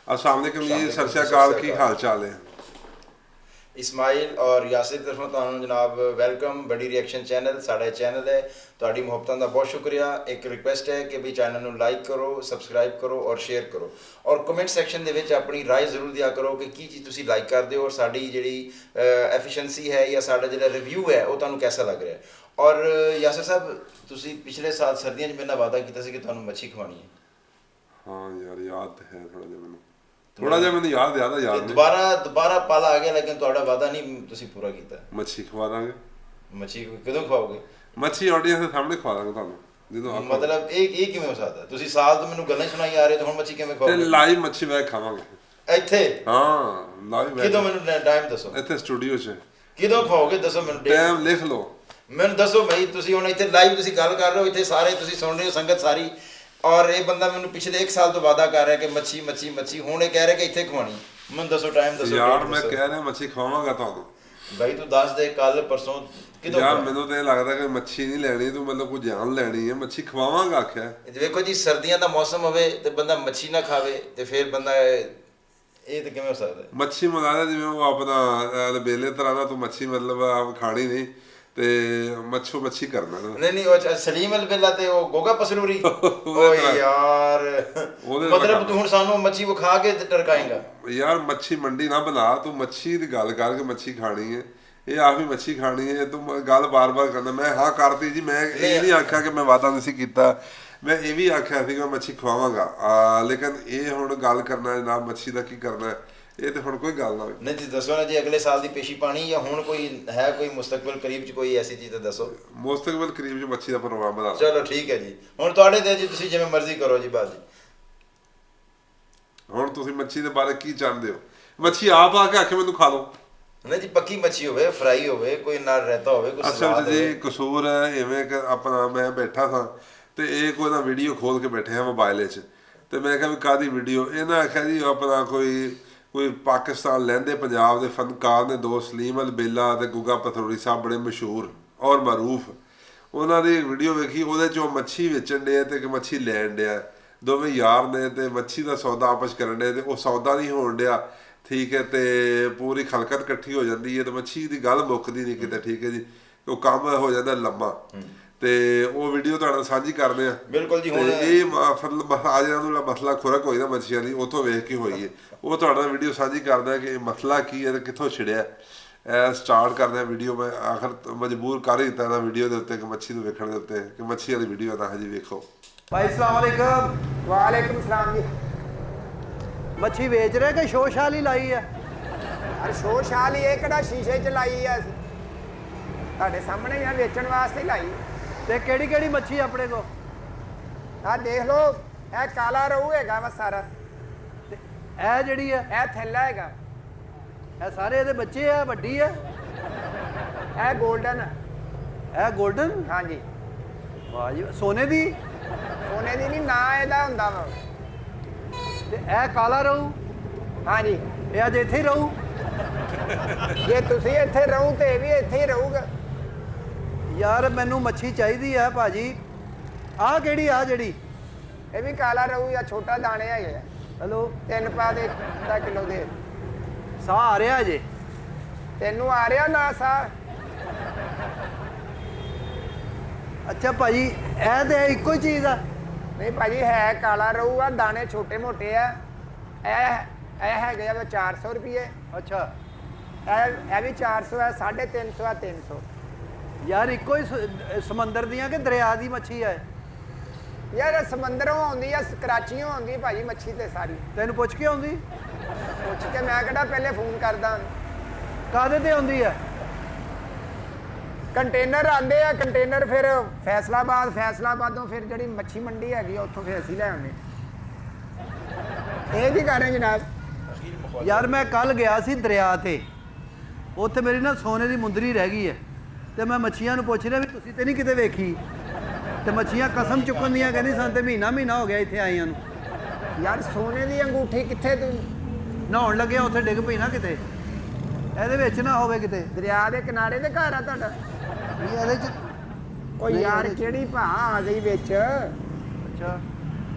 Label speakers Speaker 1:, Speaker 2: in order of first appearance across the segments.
Speaker 1: अस्सलाम वालेकुम जी, सत श्री अकाल, की हाल चाल है?
Speaker 2: इस्माइल और यासिर तरफों ਤੁਹਾਨੂੰ जनाब वेलकम। बड़ी रिएक्शन चैनल साढ़ा चैनल है, ਤੁਹਾਡੀ ਮੁਹੱਬਤਾਂ ਦਾ ਬਹੁਤ ਸ਼ੁਕਰੀਆ। ਇੱਕ ਰਿਕੁਐਸਟ ਹੈ ਕਿ ਵੀ ਚੈਨਲ ਨੂੰ ਲਾਈਕ ਕਰੋ, ਸਬਸਕ੍ਰਾਈਬ ਕਰੋ ਔਰ ਸ਼ੇਅਰ ਕਰੋ ਔਰ ਕਮੈਂਟ ਸੈਕਸ਼ਨ ਦੇ ਵਿੱਚ ਆਪਣੀ ਰਾਏ ਜ਼ਰੂਰ ਦਿਆ ਕਰੋ ਕਿ ਕੀ ਚੀਜ਼ ਤੁਸੀਂ ਲਾਈਕ ਕਰਦੇ ਹੋ ਔਰ ਸਾਡੀ ਜਿਹੜੀ ਐਫੀਸ਼ੀਐਂਸੀ ਹੈ ਜਾਂ ਸਾਡਾ ਜਿਹੜਾ ਰਿਵਿਊ ਹੈ ਉਹ ਤੁਹਾਨੂੰ ਕਿਹਦਾ ਲੱਗ ਰਿਹਾ। ਔਰ ਯਾਸਿਰ ਸਾਹਿਬ, ਤੁਸੀਂ ਪਿਛਲੇ ਸਾਲ ਸਰਦੀਆਂ 'ਚ ਮੇਰੇ ਨਾਲ ਵਾਅਦਾ ਕੀਤਾ ਸੀ ਕਿ ਤੁਹਾਨੂੰ ਮੱਛੀ ਖਵਾਉਣੀ ਹੈ।
Speaker 1: हाँ यार, याद है थोड़ा जिहा मैंने याद नहीं।
Speaker 2: ਦੁਬਾਰਾ ਪਲ ਆ ਗਿਆ, ਲੇਕਿਨ ਤੁਹਾਡਾ ਵਾਅਦਾ ਨਹੀਂ ਤੁਸੀਂ ਪੂਰਾ ਕੀਤਾ।
Speaker 1: मच्छी खवा दांगे।
Speaker 2: ਮੱਛੀ ਕਦੋਂ ਖਵਾਓਗੇ?
Speaker 1: मच्छी ऑडियंस ਦੇ ਸਾਹਮਣੇ ਖਵਾ ਦਾਂਗੇ ਤੁਹਾਨੂੰ ਜਦੋਂ
Speaker 2: ਮਤਲਬ ਇਹ ਕਿਵੇਂ ਹੋ ਸਕਦਾ? ਤੁਸੀਂ ਸਾਲ ਤੋਂ ਮੈਨੂੰ ਗੱਲਾਂ ਸੁਣਾਈ ਆ ਰਹੇ ਤੇ ਹੁਣ ਮੱਛੀ ਕਿਵੇਂ ਖਾਓਗੇ?
Speaker 1: ਤੇ ਲਾਈਵ ਮੱਛੀ ਵੈਕ ਖਾਵਾਂਗੇ
Speaker 2: ਇੱਥੇ।
Speaker 1: ਹਾਂ ਲਾਈਵ ਵੈਕ।
Speaker 2: ਕਿਦੋਂ? ਮੈਨੂੰ ਟਾਈਮ ਦੱਸੋ।
Speaker 1: ਇੱਥੇ ਸਟੂਡੀਓ 'ਚ
Speaker 2: ਕਿਦੋਂ ਖਾਓਗੇ ਦੱਸੋ ਮੈਨੂੰ।
Speaker 1: ਟਾਈਮ ਲਿਖ ਲਓ
Speaker 2: ਮੈਨੂੰ ਦੱਸੋ ਬਈ। ਤੁਸੀਂ ਹੁਣ ਇੱਥੇ ਲਾਈਵ ਤੁਸੀਂ ਗੱਲ ਕਰ ਰਹੇ ਹੋ, ਇੱਥੇ ਸਾਰੇ ਤੁਸੀਂ ਸੁਣ ਰਹੇ ਹੋ, ਸੰਗਤ ਸਾਰੀ। ਔਰ ਇਹ ਬੰਦਾ ਮੈਨੂੰ ਪਿਛਲੇ 1 ਸਾਲ ਤੋਂ ਵਾਅਦਾ ਕਰ ਰਿਹਾ ਕਿ ਮੱਛੀ ਮੱਛੀ ਮੱਛੀ, ਹੁਣ ਇਹ ਕਹਿ ਰਿਹਾ ਕਿ ਇੱਥੇ ਖਵਾਉਣੀ। ਮੈਨੂੰ ਦੱਸੋ ਟਾਈਮ ਦੱਸੋ
Speaker 1: ਯਾਰ। ਮੈਂ ਕਹਿ ਰਿਹਾ ਮੱਛੀ ਖਵਾਵਾਂਗਾ ਤੁਹਾਨੂੰ।
Speaker 2: ਬਾਈ ਤੂੰ ਦੱਸ ਦੇ, ਕੱਲ ਪਰਸੋਂ ਕਿਦੋਂ?
Speaker 1: ਯਾਰ ਮੈਨੂੰ ਤਾਂ ਇਹ ਲੱਗਦਾ ਕਿ ਮੱਛੀ ਨਹੀਂ ਲੈਣੀ ਤੂੰ, ਮਤਲਬ ਕੋਈ ਜਾਨ ਲੈਣੀ ਹੈ। ਮੱਛੀ ਖਵਾਵਾਂਗਾ ਆਖਿਆ।
Speaker 2: ਵੇਖੋ ਜੀ, ਸਰਦੀਆਂ ਦਾ ਮੌਸਮ ਹੋਵੇ ਤੇ ਬੰਦਾ ਮੱਛੀ ਨਾ ਖਾਵੇ ਤੇ ਫਿਰ ਬੰਦਾ ਇਹ ਤਾਂ ਕਿਵੇਂ ਹੋ ਸਕਦਾ?
Speaker 1: ਮੱਛੀ ਮੰਗਾਦਾ ਜਿਵੇਂ ਉਹ ਆਪਣਾ ਬੇਲੇ ਤਰ੍ਹਾਂ ਦਾ, ਤੂੰ ਮੱਛੀ ਮਤਲਬ ਆਪ ਖਾਣੀ ਨਹੀਂ ਤੇ ਮੱਛੀ ਕਰਨਾ।
Speaker 2: ਨਹੀਂ ਉਹ ਸਲੀਮ ਅਲਬੇਲਾ ਤੇ ਉਹ ਗੋਗਾ ਪਸਰੂਰੀ। ਓਏ ਯਾਰ, ਮਤਲਬ ਤੂੰ ਹੁਣ ਸਾਨੂੰ ਮੱਛੀ ਵਿਖਾ ਕੇ ਟਰਕਾਏਂਗਾ?
Speaker 1: ਯਾਰ ਮੱਛੀ ਮੰਡੀ ਨਾ ਬਣਾ, ਤੂੰ ਮੱਛੀ ਦੀ ਗੱਲ ਕਰ ਕੇ ਮੱਛੀ ਖਾਣੀ ਹੈ। ਇਹ ਆਪ ਹੀ ਮੱਛੀ ਖਾਣੀ ਹੈ, ਤੂੰ ਗੱਲ ਬਾਰ-ਬਾਰ ਕਰਦਾ। ਮੈਂ ਹਾਂ ਕਰਤੀ ਜੀ, ਮੈਂ ਇਹ ਨਹੀਂ ਆਖਿਆ ਕਿ ਮੈਂ ਵਾਅਦਾ ਨਹੀਂ ਸੀ ਕੀਤਾ। ਮੈਂ ਇਹ ਵੀ ਆਖਿਆ ਸੀ ਕਿ ਮੈਂ ਮੱਛੀ ਖਵਾਵਾਂਗਾ, ਲੇਕਿਨ ਇਹ ਹੁਣ ਗੱਲ ਕਰਨਾ ਜਨਾਬ ਮੱਛੀ ਦਾ ਕੀ ਕਰਨਾ, ਇਹ ਤੇ ਹੁਣ ਕੋਈ ਗੱਲ ਨਾ ਹੋਵੇ।
Speaker 2: ਨਹੀਂ ਜੀ ਦੱਸੋ ਨਾ ਜੀ, ਅਗਲੇ ਸਾਲ ਦੀ ਪੇਸ਼ੀ ਪਾਣੀ ਜਾਂ ਹੁਣ ਕੋਈ ਹੈ ਕੋਈ ਮੁਸਤਕਬਲ ਕਰੀਬ 'ਚ ਕੋਈ ਐਸੀ ਚੀਜ਼ ਤਾਂ ਦੱਸੋ।
Speaker 1: ਮੁਸਤਕਬਲ ਕਰੀਬ 'ਚ ਮੱਛੀ ਦਾ ਪ੍ਰੋਗਰਾਮ ਬਣਾ।
Speaker 2: ਚਲੋ ਠੀਕ ਹੈ ਜੀ, ਹੁਣ ਤੁਹਾਡੇ ਤੇ ਜੀ, ਤੁਸੀਂ ਜਿਵੇਂ ਮਰਜ਼ੀ ਕਰੋ ਜੀ ਬਾਜੀ।
Speaker 1: ਹੁਣ ਤੁਸੀਂ ਮੱਛੀ ਦੇ ਬਾਰੇ ਕੀ ਚਾਹੁੰਦੇ ਹੋ? ਮੱਛੀ ਆਪ ਆ ਕੇ ਆਖੇ ਮੈਨੂੰ ਖਾ ਲਓ।
Speaker 2: ਨਹੀਂ ਜੀ, ਪੱਕੀ ਮੱਛੀ ਹੋਵੇ, ਫਰਾਈ ਹੋਵੇ, ਕੋਈ ਨਾਲ ਰਹਿਤਾ ਹੋਵੇ, ਕੋਈ
Speaker 1: ਅਸਲ 'ਚ ਜੀ ਕਸੂਰ ਹੈ ਇਵੇਂ ਕਿ ਆਪਣਾ ਮੈਂ ਬੈਠਾ ਸਾਂ ਤੇ ਇਹ ਕੋਈ ਨਾ ਵੀਡੀਓ ਖੋਲ ਕੇ ਬੈਠੇ ਆ ਮੋਬਾਈਲ 'ਚ, ਤੇ ਮੈਂ ਕਿਹਾ ਵੀ ਕਾਹਦੀ ਵੀਡੀਓ? ਇਹਨਾਂ ਆਖਿਆ ਜੀ ਆਪਣਾ ਕੋਈ ਪਾਕਿਸਤਾਨ ਲਹਿੰਦੇ ਪੰਜਾਬ ਦੇ ਫਨਕਾਰ ਨੇ ਦੋ, ਸਲੀਮ ਅਲਬੇਲਾ ਤੇ ਗੁੱਗਾ ਪਥਰੋੜੀ ਸਾਹਿਬ, ਬੜੇ ਮਸ਼ਹੂਰ ਔਰ ਮਰੂਫ। ਉਹਨਾਂ ਦੀ ਵੀਡੀਓ ਵੇਖੀ, ਉਹਦੇ 'ਚੋਂ ਮੱਛੀ ਵੇਚਣ ਡਿਆ ਤੇ ਮੱਛੀ ਲੈਣ ਡਿਆ। ਦੋਵੇਂ ਯਾਰ ਨੇ ਤੇ ਮੱਛੀ ਦਾ ਸੌਦਾ ਆਪਸ ਕਰਨ ਡਿਆ ਤੇ ਉਹ ਸੌਦਾ ਨਹੀਂ ਹੋਣ ਡਿਆ, ਠੀਕ ਹੈ। ਤੇ ਪੂਰੀ ਖਲਕਤ ਇਕੱਠੀ ਹੋ ਜਾਂਦੀ ਹੈ ਤੇ ਮੱਛੀ ਦੀ ਗੱਲ ਮੁੱਕਦੀ ਨਹੀਂ ਕਿਤੇ, ਠੀਕ ਹੈ ਜੀ। ਉਹ ਕੰਮ ਹੋ ਜਾਂਦਾ ਲੰਮਾ, ਤੇ ਉਹ ਵੀਡੀਓ ਤੁਹਾਡੇ ਨਾਲ ਸਾਂਝੀ ਕਰਦੇ ਆ।
Speaker 2: ਬਿਲਕੁਲ ਜੀ। ਹੁਣ
Speaker 1: ਇਹ ਅੱਜ ਦਾ ਮਸਲਾ ਖੁਰਕ ਹੋਈ ਨਾ ਮੱਛੀਆਂ ਦੀ, ਉੱਥੋਂ ਵੇਖ ਕੇ ਹੋਈ ਹੈ। ਉਹ ਤੁਹਾਡੇ ਨਾਲ ਵੀਡੀਓ ਸਾਂਝੀ ਕਰਦਾ ਕਿ ਇਹ ਮਸਲਾ ਕੀ ਹੈ ਤੇ ਕਿੱਥੋਂ ਛਿੜਿਆ। ਸਟਾਰਟ ਕਰਦੇ ਆ ਵੀਡੀਓ। ਮੈਂ ਆਖਰ ਮਜਬੂਰ ਕਰ ਹੀ ਦਿੱਤਾ ਇਹਨਾਂ ਵੀਡੀਓ ਦੇ ਉੱਤੇ ਕਿ ਮੱਛੀ ਨੂੰ ਵੇਖਣ ਦੇ ਉੱਤੇ ਕਿ ਮੱਛੀ ਵਾਲੀ ਵੀਡੀਓ ਨਾ ਹਜੇ ਵੇਖੋ।
Speaker 3: ਭਾਈ ਸਲਾਮ ਵਾਲੇਕਮ।
Speaker 4: ਵਾਲੇਕਮ ਸਲਾਮ ਜੀ।
Speaker 3: ਮੱਛੀ ਵੇਚ ਰਹੇ ਕਿ ਸ਼ੋਸ਼ਾਲ ਹੀ ਲਾਈ ਹੈ?
Speaker 4: ਅਰੇ ਸ਼ੋਸ਼ਾਲ ਹੀ, ਇਹ ਕਿਹੜਾ ਸ਼ੀਸ਼ੇ 'ਚ ਲਾਈ ਆ? ਤੁਹਾਡੇ ਸਾਹਮਣੇ ਹੀ ਆ, ਵੇਚਣ ਵਾਸਤੇ ਹੀ ਲਾਈ।
Speaker 3: ਤੇ ਕਿਹੜੀ ਕਿਹੜੀ ਮੱਛੀ ਆਪਣੇ ਕੋ?
Speaker 4: ਆਹ ਦੇਖ ਲਓ, ਇਹ ਕਾਲਾ ਰਹੂ ਹੈਗਾ ਵਾ ਸਾਰਾ।
Speaker 3: ਤੇ ਇਹ ਜਿਹੜੀ ਹੈ,
Speaker 4: ਇਹ ਥੈਲਾ ਹੈਗਾ।
Speaker 3: ਇਹ ਸਾਰੇ ਇਹਦੇ ਬੱਚੇ ਆ? ਵੱਡੀ ਹੈ?
Speaker 4: ਇਹ 골ਡਨ।
Speaker 3: ਇਹ 골ਡਨ?
Speaker 4: ਹਾਂਜੀ।
Speaker 3: ਵਾਹ ਜੀ। ਸੋਨੇ ਦੀ?
Speaker 4: ਸੋਨੇ ਦੀ ਨਹੀਂ, ਨਾ ਇਹਦਾ ਹੁੰਦਾ ਵਾ।
Speaker 3: ਤੇ ਇਹ ਕਾਲਾ ਰਹੂ?
Speaker 4: ਹਾਂਜੀ।
Speaker 3: ਇਹ ਅੱਜ ਇੱਥੇ ਹੀ ਰਹੂ?
Speaker 4: ਜੇ ਤੁਸੀਂ ਇੱਥੇ ਰਹੋ ਤੇ ਇਹ ਵੀ ਇੱਥੇ ਹੀ ਰਹੂਗਾ।
Speaker 3: ਯਾਰ ਮੈਨੂੰ ਮੱਛੀ ਚਾਹੀਦੀ ਆ ਭਾਜੀ। ਆਹ ਕਿਹੜੀ? ਆ ਜਿਹੜੀ?
Speaker 4: ਇਹ ਵੀ ਕਾਲਾ ਰਹੂ ਜਾਂ ਛੋਟਾ ਦਾਣੇ ਹੈਗੇ ਆ।
Speaker 3: ਹੈਲੋ।
Speaker 4: 3 ਪਾ ਦੇ 1 ਕਿਲੋ ਦੇ।
Speaker 3: ਸਾਹ ਆ ਰਿਹਾ ਅਜੇ?
Speaker 4: ਤੈਨੂੰ ਆ ਰਿਹਾ ਨਾ ਸਾਹ?
Speaker 3: ਅੱਛਾ ਭਾਜੀ, ਇਹ ਤੇ ਇੱਕੋ ਹੀ ਚੀਜ਼ ਆ?
Speaker 4: ਨਹੀਂ ਭਾਜੀ, ਹੈ ਕਾਲਾ ਰਹੂ ਆ, ਦਾਣੇ ਛੋਟੇ ਮੋਟੇ ਆ। ਇਹ ਹੈਗੇ ਆ 400 ਰੁਪਏ।
Speaker 3: ਅੱਛਾ।
Speaker 4: ਇਹ ਵੀ 400 ਹੈ, 350 ਆ, 300।
Speaker 3: ਯਾਰ ਇੱਕੋ ਹੀ ਸਮੁੰਦਰ ਦੀਆਂ ਕਿ ਦਰਿਆ ਦੀ ਮੱਛੀ ਹੈ?
Speaker 4: ਯਾਰ ਸਮੁੰਦਰੋਂ ਆਉਂਦੀ ਆ, ਕਰਾਚੀੋਂ ਆਉਂਦੀ ਭਾਜੀ ਮੱਛੀ ਤੇ ਸਾਰੀ।
Speaker 3: ਤੈਨੂੰ ਪੁੱਛ ਕੇ ਆਉਂਦੀ?
Speaker 4: ਪੁੱਛ ਕੇ ਮੈਂ ਕਿਹੜਾ ਪਹਿਲੇ ਫੋਨ ਕਰਦਾ।
Speaker 3: ਕਾਹਦੇ ਤੇ ਆਉਂਦੀ ਹੈ?
Speaker 4: ਕੰਟੇਨਰ ਆਉਂਦੇ ਆ, ਕੰਟੇਨਰ ਫਿਰ ਫੈਸਲਾਬਾਦੋਂ ਫਿਰ ਜਿਹੜੀ ਮੱਛੀ ਮੰਡੀ ਹੈਗੀ ਆ ਉੱਥੋਂ ਫਿਰ ਅਸੀਂ ਲੈ ਆਉਂਦੇ। ਇਹ ਕੀ ਕਰ ਰਹੇ ਜਨਾਬ?
Speaker 3: ਯਾਰ ਮੈਂ ਕੱਲ ਗਿਆ ਸੀ ਦਰਿਆ ਤੇ, ਉੱਥੇ ਮੇਰੀ ਨਾ ਸੋਨੇ ਦੀ ਮੁੰਦਰੀ ਰਹਿ ਗਈ ਹੈ ਤੇ ਮੈਂ ਮੱਛੀਆਂ ਨੂੰ ਪੁੱਛ ਰਿਹਾ ਵੀ ਤੁਸੀਂ ਤੇ ਨਹੀਂ ਕਿਤੇ ਵੇਖੀ? ਤੇ ਮੱਛੀਆਂ ਕਸਮ ਚੁੱਕਣ ਦੀਆਂ ਕਹਿੰਦੀ ਸਾਨੂੰ ਤੇ ਮਹੀਨਾ ਹੋ ਗਿਆ ਇੱਥੇ ਆਈਆਂ ਨੂੰ।
Speaker 4: ਯਾਰ ਸੋਨੇ ਦੀ ਅੰਗੂਠੀ ਕਿੱਥੇ? ਤੂੰ
Speaker 3: ਨਹਾਉਣ ਲੱਗਿਆ ਉੱਥੇ ਡਿੱਗ ਪਈ ਨਾ ਕਿਤੇ, ਇਹਦੇ ਵਿੱਚ ਨਾ ਹੋਵੇ ਕਿਤੇ।
Speaker 4: ਦਰਿਆ ਦੇ ਕਿਨਾਰੇ ਤੇ ਘਰ ਆ ਤੁਹਾਡਾ?
Speaker 3: ਇਹਦੇ ਚ
Speaker 4: ਕੋਈ ਯਾਰ ਕਿਹੜੀ ਭਾ ਆ ਗਈ ਵਿੱਚ?
Speaker 3: ਅੱਛਾ।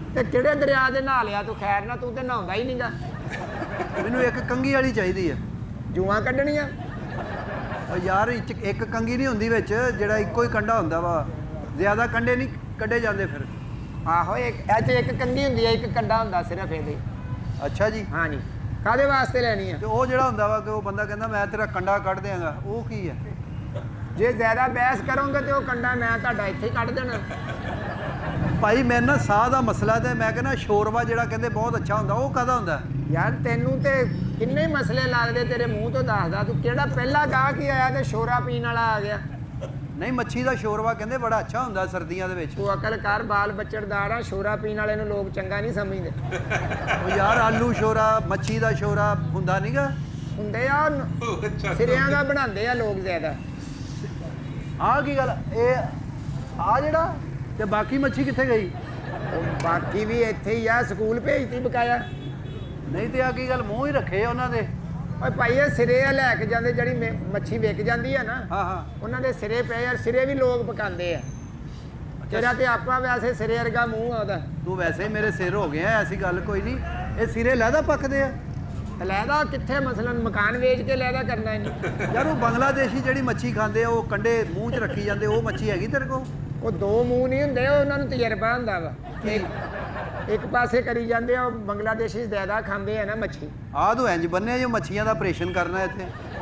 Speaker 4: ਤੇ ਕਿਹੜੇ ਦਰਿਆ ਦੇ ਨਹਾ ਲਿਆ ਤੂੰ? ਖੈਰ ਨਾ, ਤੂੰ ਤੇ ਨਹਾਉਂਦਾ ਹੀ ਨਹੀਂਗਾ।
Speaker 3: ਮੈਨੂੰ ਇੱਕ ਕੰਗੀ ਵਾਲੀ ਚਾਹੀਦੀ ਹੈ।
Speaker 4: ਜੂਆਂ ਕੱਢਣੀਆਂ?
Speaker 3: ਉਹ ਯਾਰ ਇੱਕ ਕੰਗੀ ਨਹੀਂ ਹੁੰਦੀ ਵਿੱਚ, ਜਿਹੜਾ ਇੱਕੋ ਹੀ ਕੰਡਾ ਹੁੰਦਾ ਵਾ, ਜ਼ਿਆਦਾ ਕੰਡੇ ਨਹੀਂ ਕੱਢੇ ਜਾਂਦੇ ਫਿਰ।
Speaker 4: ਆਹੋ, ਇਹ 'ਚ ਇੱਕ ਕੰਗੀ ਹੁੰਦੀ ਹੈ, ਇੱਕ ਕੰਡਾ ਹੁੰਦਾ ਸਿਰਫ ਇਹਦੇ।
Speaker 3: ਅੱਛਾ ਜੀ।
Speaker 4: ਹਾਂਜੀ। ਕਾਹਦੇ ਵਾਸਤੇ ਲੈਣੀ ਆ?
Speaker 3: ਤੇ ਉਹ ਜਿਹੜਾ ਹੁੰਦਾ ਵਾ ਕਿ ਉਹ ਬੰਦਾ ਕਹਿੰਦਾ ਮੈਂ ਤੇਰਾ ਕੰਡਾ ਕੱਢ ਦਿਆਂਗਾ, ਉਹ ਕੀ ਹੈ?
Speaker 4: ਜੇ ਜ਼ਿਆਦਾ ਬਹਿਸ ਕਰੋਗੇ ਤੇ ਉਹ ਕੰਡਾ ਮੈਂ ਤੁਹਾਡਾ ਇੱਥੇ ਹੀ ਕੱਢ ਦੇਣਾ।
Speaker 3: ਭਾਈ ਮੇਰੇ ਨਾਲ ਸਾਹ ਦਾ ਮਸਲਾ ਤੇ ਮੈਂ ਕਹਿੰਦਾ ਸ਼ੋਰਵਾ ਜਿਹੜਾ ਕਹਿੰਦੇ ਬਹੁਤ ਅੱਛਾ ਹੁੰਦਾ, ਉਹ ਕਾਹਦਾ ਹੁੰਦਾ?
Speaker 4: ਯਾਰ ਤੈਨੂੰ ਤੇ ਕਿੰਨੇ ਮਸਲੇ ਲੱਗਦੇ ਤੇਰੇ ਮੂੰਹ ਤੋਂ, ਦੱਸਦਾ ਤੂੰ ਕਿਹੜਾ ਪਹਿਲਾ ਗਾਹਕ ਹੀ ਆਇਆ ਤੇ ਸ਼ੋਰਾ ਪੀਣ ਵਾਲਾ ਆ ਗਿਆ।
Speaker 3: ਨਹੀਂ, ਮੱਛੀ ਦਾ ਸ਼ੋਰਵਾ ਕਹਿੰਦੇ ਬੜਾ ਅੱਛਾ ਹੁੰਦਾ ਸਰਦੀਆਂ ਦੇ ਵਿੱਚ।
Speaker 4: ਤੂੰ ਅਕਲ ਕਰ, ਬਾਲ ਬੱਚੜਦਾਰ ਆ, ਸ਼ੋਰਾ ਪੀਣ ਵਾਲੇ ਨੂੰ ਲੋਕ ਚੰਗਾ ਨਹੀਂ ਸਮਝਦੇ।
Speaker 3: ਉਹ ਯਾਰ ਆਲੂ ਸ਼ੋਰਾ, ਮੱਛੀ ਦਾ ਸ਼ੋਰਾ ਹੁੰਦਾ ਨਹੀਂਗਾ?
Speaker 4: ਹੁੰਦੇ ਆ, ਸਿਰਿਆਂ ਦਾ ਬਣਾਉਂਦੇ ਆ ਲੋਕ ਜ਼ਿਆਦਾ।
Speaker 3: ਆਹ ਕੀ ਗੱਲ? ਇਹ ਆ ਜਿਹੜਾ ਤੇ ਬਾਕੀ ਮੱਛੀ ਕਿੱਥੇ ਗਈ?
Speaker 4: ਉਹ ਬਾਕੀ ਵੀ ਇੱਥੇ ਹੀ ਆ, ਸਕੂਲ ਭੇਜਤੀ ਬਕਾਇਆ।
Speaker 3: ਨਹੀਂ ਤੇ ਆ ਕੀ ਗੱਲ, ਮੂੰਹ ਹੀ ਰੱਖੇ ਆ ਉਹਨਾਂ ਦੇ?
Speaker 4: ਓਏ ਭਾਈ, ਇਹ ਸਿਰੇ ਆ ਲੈ ਕੇ ਜਾਂਦੇ, ਜਿਹੜੀ ਮੱਛੀ ਵਿਕ ਜਾਂਦੀ ਆ ਨਾ,
Speaker 3: ਹਾਂ ਹਾਂ,
Speaker 4: ਉਹਨਾਂ ਦੇ ਸਿਰੇ ਪਏ ਆ। ਸਿਰੇ ਵੀ ਲੋਕ ਪਕਾਉਂਦੇ ਆ। ਤੇਰਾ ਤੇ ਆਪਾਂ ਵੈਸੇ ਸਿਰੇ ਵਰਗਾ ਮੂੰਹ ਆ ਉਹਦਾ।
Speaker 3: ਤੂੰ ਵੈਸੇ ਹੀ ਮੇਰੇ ਸਿਰ ਹੋ ਗਿਆ, ਐਸੀ ਗੱਲ ਕੋਈ ਨਹੀਂ। ਇਹ ਸਿਰੇ ਲਹਿਦਾ ਪੱਕਦੇ ਆ?
Speaker 4: ਲਹਿਦਾ ਕਿੱਥੇ? ਮਸਲਨ ਮਕਾਨ ਵੇਚ ਕੇ ਲਹਿਦਾ ਕਰਨਾ ਇਹਨੂੰ।
Speaker 3: ਯਾਰ ਉਹ ਬੰਗਲਾਦੇਸ਼ੀ ਜਿਹੜੀ ਮੱਛੀ ਖਾਂਦੇ ਆ, ਉਹ ਕੰਡੇ ਮੂੰਹ 'ਚ ਰੱਖੀ ਜਾਂਦੇ, ਉਹ ਮੱਛੀ ਹੈਗੀ ਤੇਰੇ ਕੋਲ?
Speaker 4: ਉਹ ਦੋ ਮੂੰਹ ਨਹੀਂ ਹੁੰਦੇ, ਉਹ ਉਹਨਾਂ ਨੂੰ ਤਜਰਬਾ ਹੁੰਦਾ ਵਾ। ਇੱਕ ਪਾਸੇ ਕਰੀ ਜਾਂਦੇ ਆ, ਉਹ ਬੰਗਲਾਦੇਸ਼ੀ ਜ਼ਿਆਦਾ ਖਾਂਦੇ ਆ ਨਾ ਮੱਛੀ।
Speaker 3: ਆਹ ਤੂੰ ਇੰਜ ਬੰਨਿਆ ਜੋ ਮੱਛੀਆਂ ਦਾ ਆਪਰੇਸ਼ਨ ਕਰਨਾ ਇੱਥੇ।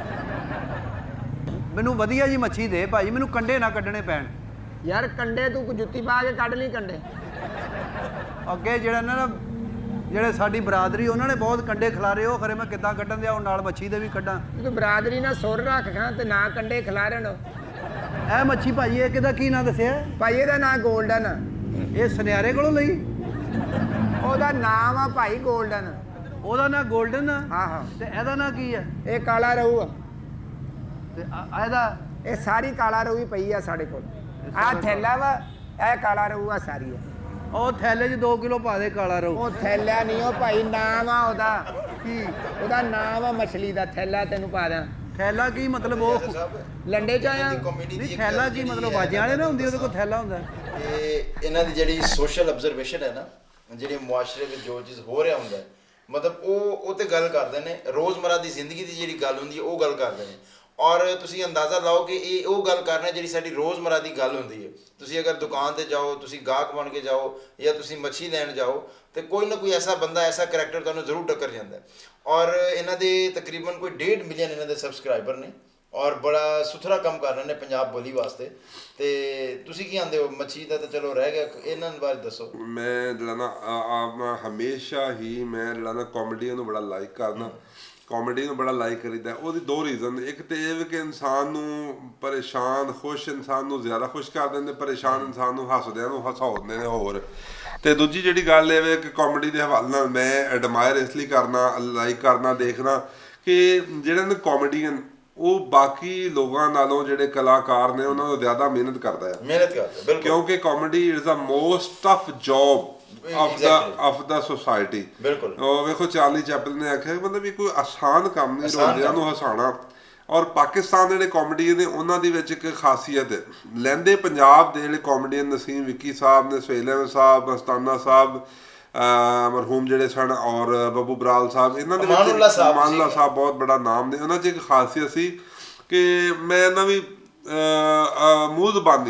Speaker 3: ਮੈਨੂੰ ਵਧੀਆ ਜੀ ਮੱਛੀ ਦੇ ਭਾਜੀ, ਮੈਨੂੰ ਕੰਡੇ ਨਾ ਕੱਢਣੇ ਪੈਣ।
Speaker 4: ਯਾਰ ਕੰਡੇ ਤੂੰ ਜੁੱਤੀ ਪਾ ਕੇ ਕੱਢ ਲਈ ਕੰਡੇ।
Speaker 3: ਅੱਗੇ ਜਿਹੜਾ ਨਾ ਜਿਹੜੇ ਸਾਡੀ ਬਰਾਦਰੀ, ਉਹਨਾਂ ਨੇ ਬਹੁਤ ਕੰਡੇ ਖਿਲਾਰੇ, ਉਹ ਖਰੇ ਮੈਂ ਕਿੱਦਾਂ ਕੱਢਣ ਦਿਆ, ਉਹ ਨਾਲ ਮੱਛੀ ਦੇ ਵੀ ਕੱਢਾਂ।
Speaker 4: ਤੂੰ ਬਰਾਦਰੀ ਨਾਲ ਸੁਰ ਰੱਖ ਖਾਂ ਤੇ ਨਾ ਕੰਡੇ ਖਿਲਾਰਨ।
Speaker 3: ਇਹ ਮੱਛੀ ਭਾਜੀ, ਇਹ ਕਿਹਦਾ ਕੀ ਨਾਂ ਦੱਸਿਆ?
Speaker 4: ਭਾਈ ਇਹਦਾ ਨਾਂ ਗੋਲਡਨ ਆ।
Speaker 3: ਇਹ ਸੁਨਿਆਰੇ ਕੋਲੋਂ ਲਈ?
Speaker 4: ਉਹਦਾ ਨਾਮ ਆ ਭਾਈ ਗੋਲਡਨ।
Speaker 3: ਉਹਦਾ ਨਾਂ ਗੋਲਡਨ ਆ?
Speaker 4: ਹਾਂ ਹਾਂ।
Speaker 3: ਤੇ ਇਹਦਾ ਨਾਂ ਕੀ ਆ?
Speaker 4: ਇਹ ਕਾਲਾ ਰਹੂ ਆ।
Speaker 3: ਤੇ ਇਹਦਾ?
Speaker 4: ਇਹ ਸਾਰੀ ਕਾਲਾ ਰਹੂ ਹੀ ਪਈ ਆ ਸਾਡੇ ਕੋਲ। ਆਹ ਥੈਲਾ ਵਾ, ਇਹ ਕਾਲਾ ਰਹੂ ਆ ਸਾਰੀ ਆ।
Speaker 3: ਉਹ ਥੈਲੇ 'ਚ 2 ਕਿਲੋ ਪਾ ਦੇ ਕਾਲਾ ਰਹੂ।
Speaker 4: ਉਹ ਥੈਲਾ ਨਹੀਂ, ਉਹ ਭਾਈ ਨਾਮ ਆ ਉਹਦਾ।
Speaker 3: ਕੀ?
Speaker 4: ਉਹਦਾ ਨਾਮ ਆ ਮਛਲੀ ਦਾ। ਥੈਲਾ ਤੈਨੂੰ ਪਾ ਦਾਂ।
Speaker 3: ਥੈਲਾ ਕੀ ਮਤਲਬ? ਉਹ
Speaker 4: ਲੰਡੇ ਚ ਆਇਆ।
Speaker 3: ਨਹੀਂ, ਥੈਲਾ ਕੀ ਮਤਲਬ? ਬਾਜਿਆਂ ਵਾਲੇ ਨਾ ਹੁੰਦੀ, ਉਹਦੇ ਕੋਲ ਥੈਲਾ ਹੁੰਦਾ?
Speaker 2: ਇਹ ਇਹਨਾਂ ਦੀ ਜਿਹੜੀ ਸੋਸ਼ਲ ਆਬਜ਼ਰਵੇਸ਼ਨ ਹੈ ਨਾ, ਜਿਹੜੀ ਮੁਆਸ਼ਰੇ ਵਿੱਚ ਜੋ ਚੀਜ਼ ਹੋ ਰਿਹਾ ਹੁੰਦਾ, ਮਤਲਬ ਉਹ ਤੇ ਗੱਲ ਕਰਦੇ ਨੇ। ਰੋਜ਼ਮਰਾ ਦੀ ਜ਼ਿੰਦਗੀ ਦੀ ਜਿਹੜੀ ਗੱਲ ਹੁੰਦੀ ਹੈ, ਉਹ ਗੱਲ ਕਰਦੇ ਨੇ। ਔਰ ਤੁਸੀਂ ਅੰਦਾਜ਼ਾ ਲਾਓ ਕਿ ਇਹ ਉਹ ਗੱਲ ਕਰ ਰਹੇ ਜਿਹੜੀ ਸਾਡੀ ਰੋਜ਼ਮਰਾ ਦੀ ਗੱਲ ਹੁੰਦੀ ਹੈ। ਤੁਸੀਂ ਅਗਰ ਦੁਕਾਨ ਤੇ ਜਾਓ, ਤੁਸੀਂ ਗਾਹਕ ਬਣ ਕੇ ਜਾਓ, ਜਾਂ ਤੁਸੀਂ ਮੱਛੀ ਲੈਣ ਜਾਓ, ਤੇ ਕੋਈ ਨਾ ਕੋਈ ਐਸਾ ਬੰਦਾ, ਐਸਾ ਕਰੈਕਟਰ ਤੁਹਾਨੂੰ ਜ਼ਰੂਰ ਟੱਕਰ ਜਾਂਦਾ। ਔਰ ਇਹਨਾਂ ਦੇ ਤਕਰੀਬਨ ਕੋਈ 1.5 ਮਿਲੀਅਨ ਇਹਨਾਂ ਦੇ ਸਬਸਕ੍ਰਾਈਬਰ ਨੇ, ਔਰ ਬੜਾ ਸੁਥਰਾ ਕੰਮ ਕਰ ਰਹੇ ਨੇ ਪੰਜਾਬ ਬੋਲੀ ਵਾਸਤੇ। ਤੇ ਤੁਸੀਂ ਕੀ ਆਂਦੇ ਹੋ? ਮੱਛੀ ਦਾ ਤਾਂ ਚਲੋ ਰਹਿ ਗਿਆ, ਇਹਨਾਂ ਬਾਰੇ ਦੱਸੋ।
Speaker 1: ਮੈਂ ਜਿਹੜਾ ਨਾ ਆਪਣਾ ਹਮੇਸ਼ਾ ਹੀ ਮੈਂ ਜਿਹੜਾ ਨਾ ਕਾਮੇਡੀ ਨੂੰ ਬੜਾ ਲਾਈਕ ਕਰਦਾ। ਕਾਮੇਡੀ ਨੂੰ ਬੜਾ ਲਾਈਕ ਕਰੀਦਾ। ਉਹਦੀ 2 ਰੀਜ਼ਨ। ਇੱਕ ਤੇ ਇਹ ਵੀ ਕਿ ਇਨਸਾਨ ਨੂੰ ਪਰੇਸ਼ਾਨ, ਖੁਸ਼ ਇਨਸਾਨ ਨੂੰ ਜ਼ਿਆਦਾ ਖੁਸ਼ ਕਰ ਦਿੰਦੇ, ਪਰੇਸ਼ਾਨ ਇਨਸਾਨ ਨੂੰ ਹੱਸਦਿਆਂ ਨੂੰ ਹਸਾਉਂਦੇ ਨੇ ਹੋਰ। ਤੇ ਦੂਜੀ ਜਿਹੜੀ ਗੱਲ ਇਹ ਵੇ ਕਿ ਕਾਮੇਡੀ ਦੇ ਹਵਾਲੇ ਨਾਲ ਮੈਂ ਐਡਮਾਇਰ ਇਸ ਲਈ ਕਰਨਾ, ਲਾਈਕ ਕਰਨਾ, ਦੇਖਣਾ ਕਿ ਜਿਹੜੇ ਨੇ ਕਾਮੇਡੀਅਨ, ਉਹ ਬਾਕੀ ਲੋਕਾਂ ਨਾਲੋਂ ਜਿਹੜੇ ਕਲਾਕਾਰ ਨੇ ਉਹਨਾਂ ਤੋਂ ਜ਼ਿਆਦਾ ਮਿਹਨਤ ਕਰਦਾ ਹੈ।
Speaker 2: ਮਿਹਨਤ ਕਰਦਾ ਬਿਲਕੁਲ,
Speaker 1: ਕਿਉਂਕਿ comedy is the most tough job of the society.
Speaker 2: ਬਿਲਕੁਲ।
Speaker 1: ਉਹ ਵੇਖੋ ਚਾਰਲੀ ਚੈਪਲਿਨ ਨੇ ਆਖਿਆ ਮਤਲਬ ਵੀ ਕੋਈ ਆਸਾਨ ਕੰਮ ਨਹੀਂ ਰੋਂਦਿਆਂ ਨੂੰ ਹਸਾਉਣਾ। ਔਰ ਪਾਕਿਸਤਾਨ ਦੇ ਜਿਹੜੇ ਕਾਮੇਡੀਅਨ ਨੇ ਉਹਨਾਂ ਦੀ ਵਿੱਚ ਇੱਕ ਖਾਸੀਅਤ ਹੈ, ਲਹਿੰਦੇ ਪੰਜਾਬ ਦੇ ਜਿਹੜੇ ਕਾਮੇਡੀਅਨ ਨਸੀਮ ਵਿੱਕੀ ਸਾਹਿਬ ਨੇ, ਸੁਹੇਲ ਅਹਿਮਦ ਸਾਹਿਬ, ਮਸਤਾਨਾ ਸਾਹਿਬ, ਮਰਹੂਮ ਜਿਹੜੇ ਸਨ, ਔਰ ਬੱਬੂ ਬਰਾਲ ਸਾਹਿਬ, ਇਹਨਾਂ ਦੇ ਵਿੱਚ ਮਾਨਲਾ ਸਾਹਿਬ ਬਹੁਤ ਬੜਾ ਨਾਮ ਨੇ। ਉਹਨਾਂ 'ਚ ਇੱਕ ਖਾਸੀਅਤ ਸੀ ਕਿ ਮੈਂ ਇਹਨਾਂ ਵੀ ਮੂੰਹ ਜ਼ਬਾਨੀ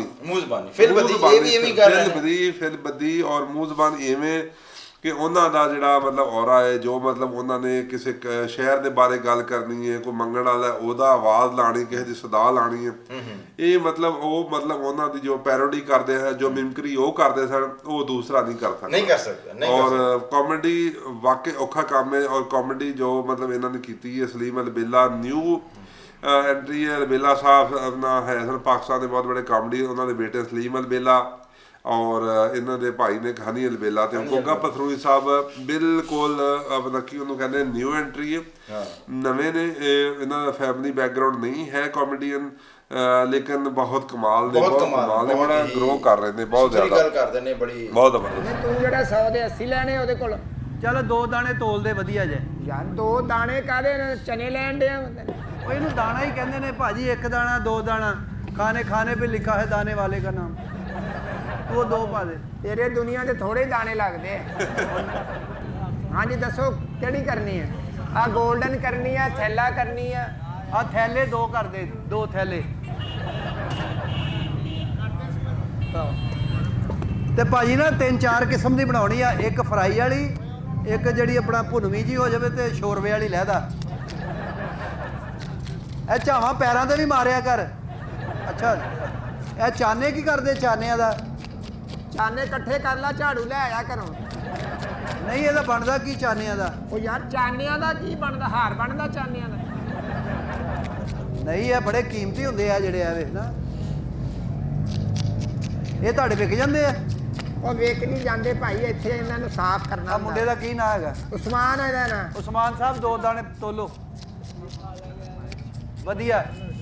Speaker 1: ਫਿਲ ਬੱਦੀ ਔਰ ਮੂੰਹ ਜ਼ਬਾਨ ਇਵੇਂ ਕਿ ਉਹਨਾਂ ਦਾ ਜਿਹੜਾ ਮਤਲਬ ਔਰਾ ਹੈ, ਜੋ ਮਤਲਬ ਉਹਨਾਂ ਨੇ ਕਿਸੇ ਸ਼ਹਿਰ ਦੇ ਬਾਰੇ ਗੱਲ ਕਰਨੀ ਹੈ, ਕੋਈ ਮੰਗਣ ਵਾਲਾ ਉਹਦਾ ਆਵਾਜ਼ ਲਾਣੀ, ਕਿਸੇ ਦੀ ਸਦਾ ਲਾਣੀ ਹੈ, ਇਹ ਮਤਲਬ ਉਹ ਮਤਲਬ ਉਹਨਾਂ ਦੀ ਜੋ ਪੈਰੋਡੀ ਕਰਦੇ ਹੈ, ਜੋ ਮਿਮਕਰੀ ਉਹ ਕਰਦੇ ਸਨ, ਉਹ ਦੂਸਰਾ ਨਹੀਂ ਕਰ ਸਕਦਾ। ਔਰ ਕਾਮੇਡੀ ਵਾਕਈ ਔਖਾ ਕੰਮ ਹੈ। ਔਰ ਕਾਮੇਡੀ ਜੋ ਮਤਲਬ ਇਹਨਾਂ ਨੇ ਕੀਤੀ ਹੈ, ਸਲੀਮ ਅਲਬੇਲਾ ਨਿਊ ਐਂਟਰੀ ਹੈ। ਅਲਬੇਲਾ ਸਾਹਿਬ ਆਪਣਾ ਹੈ ਸਨ ਪਾਕਿਸਤਾਨ ਦੇ ਬਹੁਤ ਬੜੇ ਕਾਮੇਡੀ, ਉਹਨਾਂ ਦੇ ਬੇਟੇ ਸਲੀਮ ਅਲਬੇਲਾ ਔਰ ਇਹਨਾਂ ਦੇ ਭਾਈ ਨੇ ਹਨੀ ਅਲਬੇਲਾ ਤੇ ਗੋਗਾ ਪਥਰੂਈ ਸਾਹਿਬ ਬਿਲਕੁਲ ਆਪਣਾ ਕੀ ਉਹਨੂੰ ਕਹਿੰਦੇ ਨਿਊ ਐਂਟਰੀ ਹੈ, ਨਵੇਂ ਨੇ। ਇਹਨਾਂ ਦਾ ਫੈਮਿਲੀ ਬੈਕਗਰਾਉਂਡ ਨਹੀਂ ਹੈ ਕਾਮੇਡੀਅਨ, ਲੇਕਿਨ ਬਹੁਤ ਕਮਾਲ ਨੇ, ਬੜਾ ਗਰੋ ਕਰ ਰਹੇ ਨੇ, ਬਹੁਤ ਜ਼ਿਆਦਾ
Speaker 2: ਗੱਲ ਕਰਦੇ ਨੇ, ਬੜੀ
Speaker 1: ਬਹੁਤ ਜ਼ਬਰਦਸਤ।
Speaker 4: ਤੂੰ ਜਿਹੜਾ 100 ਦੇ 80 ਲੈਣੇ ਉਹਦੇ ਕੋਲ,
Speaker 3: ਚਲ 2 ਦਾਣੇ ਤੋਲਦੇ ਵਧੀਆ ਜੇ।
Speaker 4: ਯਾਰ 2 ਦਾਣੇ ਕਾਹਦੇ ਨੇ? ਚਨੇ ਲੈਣ ਦੇ।
Speaker 3: ਉਹ ਇਹਨੂੰ ਦਾਣਾ ਹੀ ਕਹਿੰਦੇ ਨੇ ਭਾਜੀ, 1 ਦਾਣਾ 2 ਦਾਣਾ, ਖਾਣੇ ਖਾਣੇ पे लिखा है दाने वाले का नाम। ਤੂੰ ਉਹ 2 ਪਾ ਦੇ।
Speaker 4: ਤੇਰੇ ਦੁਨੀਆ ਦੇ ਥੋੜੇ ਦਾਣੇ ਲੱਗਦੇ ਆ। ਹਾਂਜੀ ਦੱਸੋ ਕਿਹੜੀ ਕਰਨੀ ਹੈ? ਆ 골ਡਨ ਕਰਨੀ ਆ, ਥੈਲਾ ਕਰਨੀ ਆ?
Speaker 3: ਆ ਥੈਲੇ 2 ਕਰ ਦੇ, 2 ਥੈਲੇ। ਤੇ ਭਾਜੀ ਨਾ 3-4 ਕਿਸਮ ਦੀ ਬਣਾਉਣੀ ਆ, ਇੱਕ ਫਰਾਈ ਵਾਲੀ, ਇੱਕ ਜਿਹੜੀ ਆਪਣਾ ਭੁਨਵੀਂ ਜੀ ਹੋ ਜਾਵੇ, ਤੇ ਸ਼ੋਰਵੇ ਵਾਲੀ ਲਹਿਦਾ। ਇਹ ਝਾਵਾਂ ਪੈਰਾਂ ਤੇ ਵੀ ਮਾਰਿਆ ਕਰ। ਅੱਛਾ ਇਹ ਚਾਨੇ ਕੀ ਕਰਦੇ? ਚਾਨਿਆਂ ਦਾ
Speaker 4: ਚਾਨੇ ਇਕੱਠੇ ਕਰ ਲਾ, ਝਾੜੂ ਲੈ ਆਇਆ ਘਰੋਂ।
Speaker 3: ਨਹੀਂ, ਇਹਦਾ ਬਣਦਾ ਕੀ ਚਾਨਿਆਂ ਦਾ?
Speaker 4: ਉਹ ਯਾਰ ਚਾਨਿਆਂ ਦਾ ਕੀ ਬਣਦਾ? ਹਾਰ ਬਣਦਾ ਚਾਨਿਆਂ ਦਾ?
Speaker 3: ਨਹੀਂ, ਇਹ ਬੜੇ ਕੀਮਤੀ ਹੁੰਦੇ ਆ ਜਿਹੜੇ ਆ ਵੇਖ ਨਾ। ਇਹ ਤੁਹਾਡੇ ਵਿਕ ਜਾਂਦੇ ਆ?
Speaker 4: ਉਹ ਵੇਖ ਨਹੀਂ ਜਾਂਦੇ ਭਾਈ, ਇੱਥੇ ਇਹਨਾਂ ਨੂੰ ਸਾਫ਼ ਕਰਨਾ
Speaker 3: ਆ ਮੁੰਡੇ ਦਾ ਕੀ ਨਾਂ ਹੈਗਾ?
Speaker 4: ਉਸਮਾਨ ਹੈ ਇਹਦਾ ਨਾਂ।
Speaker 3: ਉਸਮਾਨ ਸਾਹਿਬ 2 ਦਾਣੇ ਤੋਲੋ। ਵਧੀਆ।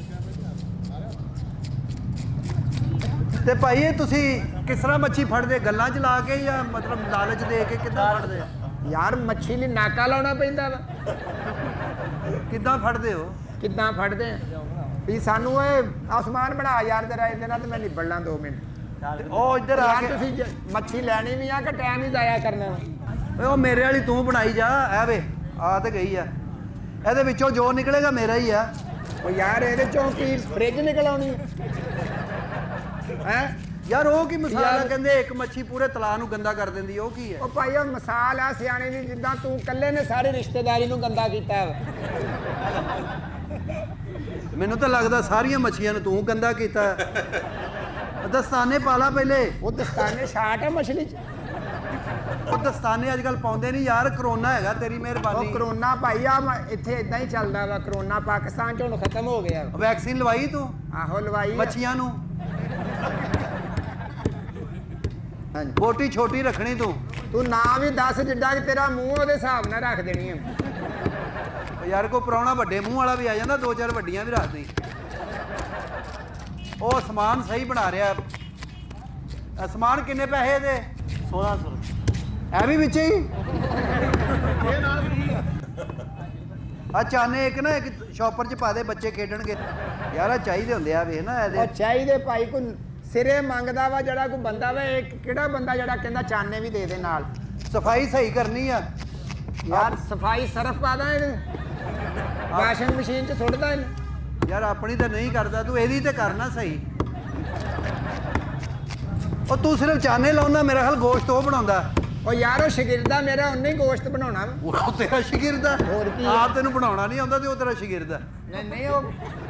Speaker 3: ਤੇ ਭਾਈ ਇਹ ਤੁਸੀਂ ਕਿਸ ਤਰ੍ਹਾਂ ਮੱਛੀ ਫੜਦੇ? ਗੱਲਾਂ 'ਚ ਲਾ ਕੇ ਜਾਂ ਮਤਲਬ ਲਾਲਚ ਦੇ ਕੇ ਕਿੱਦਾਂ ਫੜਦੇ?
Speaker 4: ਯਾਰ ਮੱਛੀ ਲਈ ਨਾਕਾ ਲਾਉਣਾ ਪੈਂਦਾ ਵਾ।
Speaker 3: ਕਿੱਦਾਂ ਫੜਦੇ ਹੋ?
Speaker 4: ਕਿੱਦਾਂ ਫੜਦੇ ਆ ਵੀ ਸਾਨੂੰ ਇਹ ਆਸਮਾਨ ਬਣਾ ਯਾਰ ਜਰਾ, ਇਹਦੇ ਨਾਲ ਤੇ ਮੈਂ ਨਿਬੜ ਲਾਂ 2 ਮਿੰਟ।
Speaker 3: ਤੇ ਉਹ ਇੱਧਰ ਆ
Speaker 4: ਯਾਰ
Speaker 3: ਕੇ
Speaker 4: ਤੁਸੀਂ ਮੱਛੀ ਲੈਣੀ ਵੀ ਆ ਕਿ ਟਾਈਮ ਹੀ ਜ਼ਾਇਆ ਕਰਨਾ ਵਾ?
Speaker 3: ਓਏ ਉਹ ਮੇਰੇ ਵਾਲੀ ਤੂੰ ਬਣਾਈ ਜਾ। ਐ ਵੇ ਆ ਤੇ ਗਈ ਆ, ਇਹਦੇ ਵਿੱਚੋਂ ਜੋ ਨਿਕਲੇਗਾ ਮੇਰਾ ਹੀ ਆ।
Speaker 4: ਉਹ ਯਾਰ ਇਹਦੇ ਚੋਂ ਕੀ ਫ੍ਰਿਜ ਨਿਕਲ ਆਉਣੀ ਹੈ?
Speaker 3: ਯਾਰ ਉਹ ਕੀ ਮਸਾਲਾ?
Speaker 4: ਯਾਰ-
Speaker 3: ਕਹਿੰਦੇ ਇੱਕ ਮੱਛੀ ਪੂਰੇ ਤਲਾਅ ਨੂੰ ਗੰਦਾ ਕਰ ਦਿੰਦੀ, ਉਹ ਕੀ ਹੈ?
Speaker 4: ਉਹ ਭਾਈ ਉਹ ਮਸਾਲ ਆ ਸਿਆਣੇ ਦੀ, ਜਿੱਦਾਂ ਤੂੰ ਇਕੱਲੇ ਨੇ ਸਾਰੀ ਰਿਸ਼ਤੇਦਾਰੀ ਨੂੰ ਗੰਦਾ ਕੀਤਾ ਵਾ।
Speaker 3: ਮੈਨੂੰ ਤਾਂ ਲੱਗਦਾ ਸਾਰੀਆਂ ਮੱਛੀਆਂ ਨੂੰ ਤੂੰ ਗੰਦਾ ਕੀਤਾ। ਦਸਤਾਨੇ ਪਾ ਲਾ ਪਹਿਲੇ।
Speaker 4: ਉਹ ਦਸਤਾਨੇ ਛਾਟ ਆ ਮਛਲੀ ਚ।
Speaker 3: ਉਹ ਦਸਤਾਨੇ ਅੱਜ ਕੱਲ ਪਾਉਂਦੇ ਨਹੀਂ ਯਾਰ, ਕਰੋਨਾ ਹੈਗਾ, ਤੇਰੀ
Speaker 4: ਉਹ
Speaker 3: ਮਿਹਰਬਾਨੀ।
Speaker 4: ਕਰੋਨਾ ਭਾਈ ਆ ਇੱਥੇ ਇਦਾਂ ਹੀ ਚੱਲਦਾ ਵਾ। ਕਰੋਨਾ ਪਾਕਿਸਤਾਨ ਚ ਹੁਣ ਖਤਮ ਹੋ ਗਿਆ ਵਾ।
Speaker 3: ਵੈਕਸੀਨ ਲਵਾਈ ਤੂੰ
Speaker 4: ਆਹੋ ਲਵਾਈ ਆ।
Speaker 3: ਮੱਛੀਆਂ ਨੂੰ?
Speaker 4: ਹਾਂਜੀ।
Speaker 3: ਬੋਟੀ ਛੋਟੀ ਰੱਖਣੀ ਤੂੰ।
Speaker 4: ਤੂੰ ਨਾ ਵੀ ਦੱਸ, ਜਿੱਦਾਂ ਕਿ ਤੇਰਾ ਮੂੰਹ ਉਹਦੇ ਹਿਸਾਬ ਨਾਲ ਰੱਖ ਦੇਣੀ ਆ।
Speaker 3: ਉਹ ਯਾਰ ਕੋਈ ਪ੍ਰਾਹੁਣਾ ਵੱਡੇ ਮੂੰਹ ਵਾਲਾ ਵੀ ਆ ਜਾਂਦਾ, 2-4 ਵੱਡੀਆਂ ਵੀ ਰੱਖ ਦੇ। ਉਹ ਸਮਾਨ ਸਹੀ ਬਣਾ ਰਿਹਾ। ਸਮਾਨ ਕਿੰਨੇ ਪੈਸੇ ਦੇ? 1600 ਰੁਪਏ। ਐ ਵੀ ਵਿੱਚ ਹੀ ਆ ਚਾਨੇ ਇੱਕ ਨਾ ਇੱਕ ਸ਼ਾਪਰ 'ਚ ਪਾ ਦੇ, ਬੱਚੇ ਖੇਡਣਗੇ। ਯਾਰ ਆ ਚਾਹੀਦੇ ਹੁੰਦੇ ਆ ਵੇਖ ਨਾ
Speaker 4: ਉਹ
Speaker 3: ਇਹਦੇ।
Speaker 4: ਚਾਹੀਦੇ ਭਾਈ, ਕੋਈ ਸਿਰੇ ਮੰਗਦਾ ਵਾ ਜਿਹੜਾ ਕੋਈ ਬੰਦਾ ਵਾ। ਇਹ ਕਿਹੜਾ ਬੰਦਾ ਜਿਹੜਾ ਕਹਿੰਦਾ ਚਾਨੇ ਵੀ ਦੇ ਦੇ ਨਾਲ?
Speaker 3: ਸਫਾਈ ਸਹੀ ਕਰਨੀ ਆ
Speaker 4: ਯਾਰ ਸਫਾਈ ਸਰਫ ਪਾਦਾ ਇਹਨੂੰ, ਵਾਸ਼ਿੰਗ ਮਸ਼ੀਨ 'ਚ ਸੁੱਟਦਾ ਇਹਨੂੰ।
Speaker 3: ਯਾਰ ਆਪਣੀ ਤਾਂ ਨਹੀਂ ਕਰਦਾ ਤੂੰ, ਇਹਦੀ ਤੇ ਕਰਨਾ ਸਹੀ। ਉਹ ਤੂੰ ਸਿਰਫ ਚਾਨੇ ਲਾਉਂਦਾ, ਮੇਰਾ ਖਿਆਲ ਗੋਸ਼ਤ ਉਹ ਬਣਾਉਂਦਾ।
Speaker 4: ਉਹ ਯਾਰ ਉਹ ਸ਼ਾਗਿਰਦਾ ਮੇਰਾ, ਉਹਨੇ ਹੀ ਗੋਸ਼ਤ ਬਣਾਉਣਾ ਵਾ।
Speaker 3: ਉਹ ਤੇਰਾ ਸ਼ਾਗਿਰਦ ਆ?
Speaker 4: ਹੋਰ ਕੀ ਆ?
Speaker 3: ਆਪ ਤੈਨੂੰ ਬਣਾਉਣਾ ਨਹੀਂ ਆਉਂਦਾ ਤੇ ਉਹ ਤੇਰਾ ਸ਼ਾਗਿਰਦ ਆ।
Speaker 4: ਨਹੀਂ ਉਹ